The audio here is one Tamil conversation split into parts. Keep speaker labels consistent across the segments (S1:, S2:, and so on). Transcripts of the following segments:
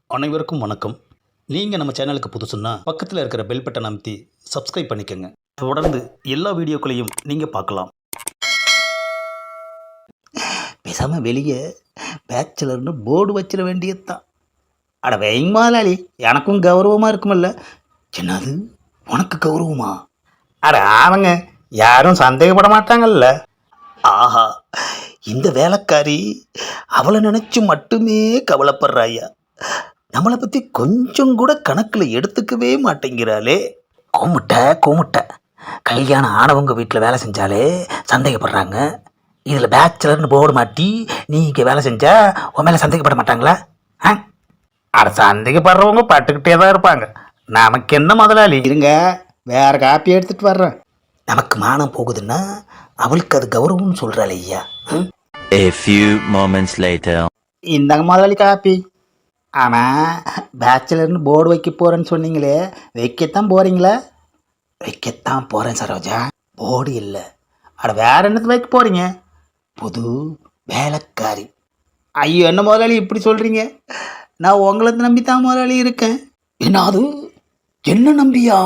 S1: அனைவருக்கும் வணக்கம். நீங்கள் நம்ம சேனலுக்கு புதுசுன்னா பக்கத்தில் இருக்கிற பெல் பட்டன் அமைத்தி சப்ஸ்கிரைப் பண்ணிக்கோங்க. தொடர்ந்து எல்லா வீடியோக்களையும் நீங்கள் பார்க்கலாம்.
S2: பேசாமல் வெளியே பேச்சுலர்னு போர்டு வச்சிட வேண்டியது தான். அட வைங்க முதலாளி, எனக்கும் கௌரவமாக இருக்குமில்ல. என்னது உனக்கு கௌரவமா? அட ஆமாங்க, யாரும் சந்தேகப்பட மாட்டாங்கல்ல. ஆஹா, இந்த வேலைக்காரி அவளை நினச்சி மட்டுமே கவலைப்படுறாயா. நம்மளை பற்றி கொஞ்சம் கூட கணக்கில் எடுத்துக்கவே மாட்டேங்கிறாளே. கூமுட்டை கல்யாணம் ஆனவங்க வீட்டில் வேலை செஞ்சாலே சந்தேகப்படுறாங்க. இதில் பேச்சுலர்னு போர்டு மாட்டி நீ இங்கே வேலை செஞ்சா உன் மேலே சந்தேகப்பட மாட்டாங்களா? அட சந்தேகப்படுறவங்க பட்டுக்கிட்டே தான் இருப்பாங்க. நமக்கு என்ன முதலாளி? இருங்க, வேற காப்பி எடுத்துகிட்டு வர்றேன். நமக்கு மானம் போகுதுன்னா அவளுக்கு அது கௌரவம்னு சொல்கிறாள் ஐயா.
S3: A few moments later.
S2: இந்தாங்க முதலாளி காப்பி. ஆமாம், பேச்சுலர்னு போர்டு வைக்க போகிறேன்னு சொன்னீங்களே, வைக்கத்தான் போகிறீங்களா? வைக்கத்தான் போகிறேன் சரோஜா, போர்டு இல்லை. அட வேற என்னத்து வைக்க போகிறீங்க? புது வேலைக்காரி. ஐயோ, என்ன முதலாளி இப்படி சொல்கிறீங்க? நான் உங்களை நம்பி தான் முதலாளி இருக்கேன். என்ன அது? என்ன நம்பியா?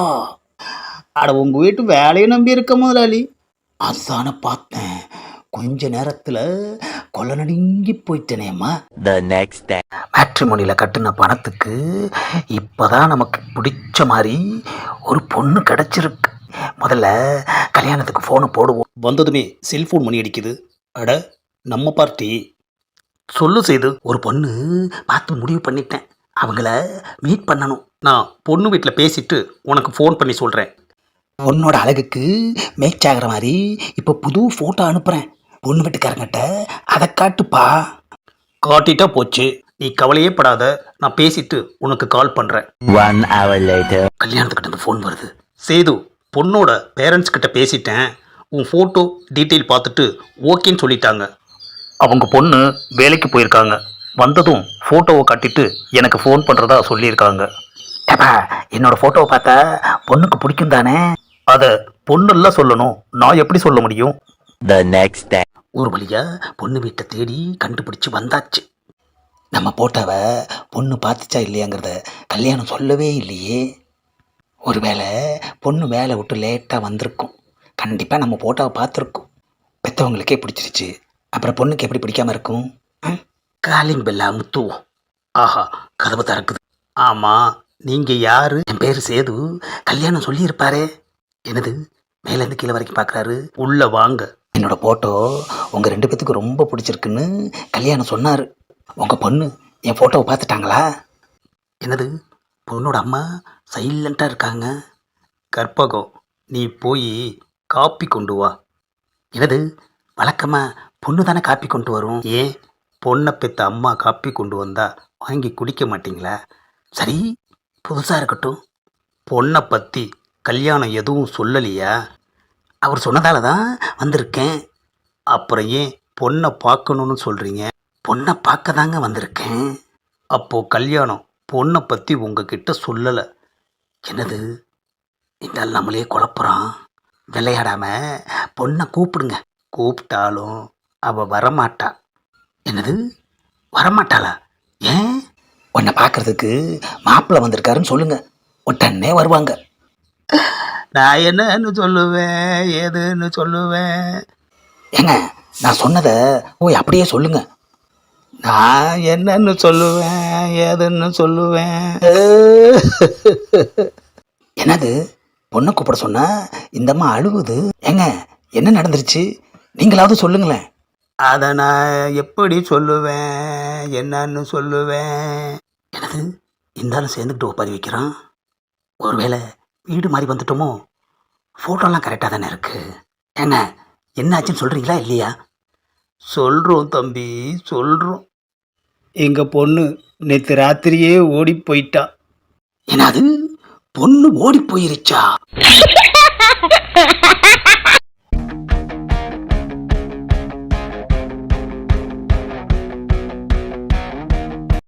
S2: அட உங்கள் வீட்டு வேலையை நம்பி இருக்க முதலாளி. அதான பார்த்தேன், கொஞ்ச நேரத்தில் கொலை நடுங்கி போயிட்டேனேம்மா.
S3: The next day.
S2: மேட்ரிமோனியில் கட்டின பணத்துக்கு இப்போதான் நமக்கு பிடிச்ச மாதிரி ஒரு பொண்ணு கிடச்சிருக்கு. முதல்ல கல்யாணத்துக்கு ஃபோனை போடுவோம்.
S1: வந்ததுமே செல்ஃபோன் மணி அடிக்குது. அட நம்ம பார்ட்டி.
S2: சொல்லு செய்து, ஒரு பொண்ணு பார்த்து முடிவு பண்ணிட்டேன். அவங்கள மீட் பண்ணணும்.
S1: நான் பொண்ணு வீட்டில் பேசிட்டு உனக்கு ஃபோன் பண்ணி சொல்கிறேன்.
S2: பொண்ணோட அழகுக்கு மேட்ச் ஆகிற மாதிரி இப்போ புது ஃபோட்டோ அனுப்புகிறேன். பொண்ணு வீட்டுக்காரங்கிட்ட அதை காட்டுப்பா.
S1: காட்டிட்டா போச்சு, நீ கவலையே படாத. நான் பேசிட்டு உனக்கு கால் பண்ணுறேன்.
S3: 1 hour later.
S2: கல்யாணத்துக்கிட்ட ஃபோன் வருது.
S1: சேது, பொண்ணோட பேரண்ட்ஸ் கிட்ட பேசிட்டேன். உன் ஃபோட்டோ டீட்டெயில் பார்த்துட்டு ஓகேன்னு சொல்லிட்டாங்க. அவங்க பொண்ணு வேலைக்கு போயிருக்காங்க. வந்ததும் ஃபோட்டோவை காட்டிட்டு எனக்கு ஃபோன் பண்ணுறதா சொல்லியிருக்காங்க.
S2: ஏப்பா, என்னோட ஃபோட்டோவை பார்த்தா பொண்ணுக்கு பிடிக்கும் தானே?
S1: அதை பொண்ணெல்லாம் சொல்லணும், நான் எப்படி சொல்ல முடியும்?
S3: The next day.
S2: ஒரு வழியாக பொண்ணு வீட்டை தேடி கண்டுபிடிச்சி வந்தாச்சு. நம்ம போட்டோவை பொண்ணு பார்த்துச்சா இல்லையாங்கிறத கல்யாணம் சொல்லவே இல்லையே. ஒருவேளை பொண்ணு வேலை விட்டு லேட்டாக வந்திருக்கும். கண்டிப்பாக நம்ம போட்டோவை பார்த்துருக்கோம். பெற்றவங்களுக்கே பிடிச்சிருச்சு, அப்புறம் பொண்ணுக்கு எப்படி பிடிக்காமல் இருக்கும்? Calling Bella முத்துவோம்.
S1: ஆஹா,
S2: கதவு திறக்குது.
S1: ஆமாம், நீங்கள் யார்?
S2: என் பேர் சேது. கல்யாணம் சொல்லியிருப்பாரே. என்னது, மேலேருந்து கீழே வரைக்கும் பார்க்குறாரு.
S1: உள்ளே வாங்க.
S2: என்னோட ஃபோட்டோ உங்கள் 2 பேத்துக்கு ரொம்ப பிடிச்சிருக்குன்னு கல்யாணம் சொன்னார். உங்கள் பொண்ணு என் ஃபோட்டோவை பார்த்துட்டாங்களா? என்னது, பொண்ணோட அம்மா சைலண்ட்டாக இருக்காங்க.
S1: கற்பகம், நீ போய் காப்பி கொண்டு வா.
S2: என்னது, வழக்கமாக பொண்ணு தானே காப்பி கொண்டு வரும்.
S1: ஏன் பொண்ணை பெற்ற அம்மா காப்பி கொண்டு வந்தா வாங்கி குடிக்க மாட்டிங்களா?
S2: சரி, புதுசாக இருக்கட்டும்.
S1: பொண்ணை பற்றி கல்யாணம் எதுவும் சொல்லலையா?
S2: அவர் சொன்னதால தான் வந்திருக்கேன்.
S1: அப்புறம் ஏன் பொண்ணை பார்க்கணுன்னு சொல்கிறீங்க?
S2: பொண்ணை பார்க்க தாங்க வந்திருக்கேன்.
S1: அப்போது கல்யாணம் பொண்ணை பற்றி உங்ககிட்ட சொல்லலை.
S2: என்னது, இந்த நம்மளே குழப்புறான். விளையாடாமல் பொண்ணை கூப்பிடுங்க.
S1: கூப்பிட்டாலும் அவள் வரமாட்டா.
S2: என்னது, வரமாட்டாளா? ஏன்? உன்னை பார்க்கறதுக்கு மாப்பிள்ளை வந்திருக்காருன்னு சொல்லுங்க, உடனே வருவாங்க.
S1: நான் என்னன்னு சொல்லுவேன், ஏதுன்னு சொல்லுவேன்?
S2: ஏங்க, நான் சொன்னதை அப்படியே சொல்லுங்க.
S1: நான் என்னன்னு சொல்லுவேன், ஏதுன்னு சொல்லுவேன்?
S2: என்னது, பொண்ணை கூப்பிட சொன்னா இந்தம்மா அழுகுது. ஏங்க, என்ன நடந்துருச்சு? நீங்களாவது சொல்லுங்களேன்.
S1: அதை நான் எப்படி சொல்லுவேன், என்னன்னு சொல்லுவேன்?
S2: என்னது, இருந்தாலும் சேர்ந்துக்கிட்டு ஒப்பாரி வைக்கிறான். ஒருவேளை வீடு மாதிரி வந்துட்டோமோ? ஃபோட்டோலாம் கரெக்டாக தானே இருக்குது. ஏங்க, என்ன ஆச்சுன்னு சொல்கிறீங்களா இல்லையா?
S1: சொல்கிறோம் தம்பி, சொல்கிறோம். எங்கள் பொண்ணு நேற்று ராத்திரியே ஓடி போயிட்டா.
S2: என்னது, பொண்ணு ஓடி போயிருச்சா?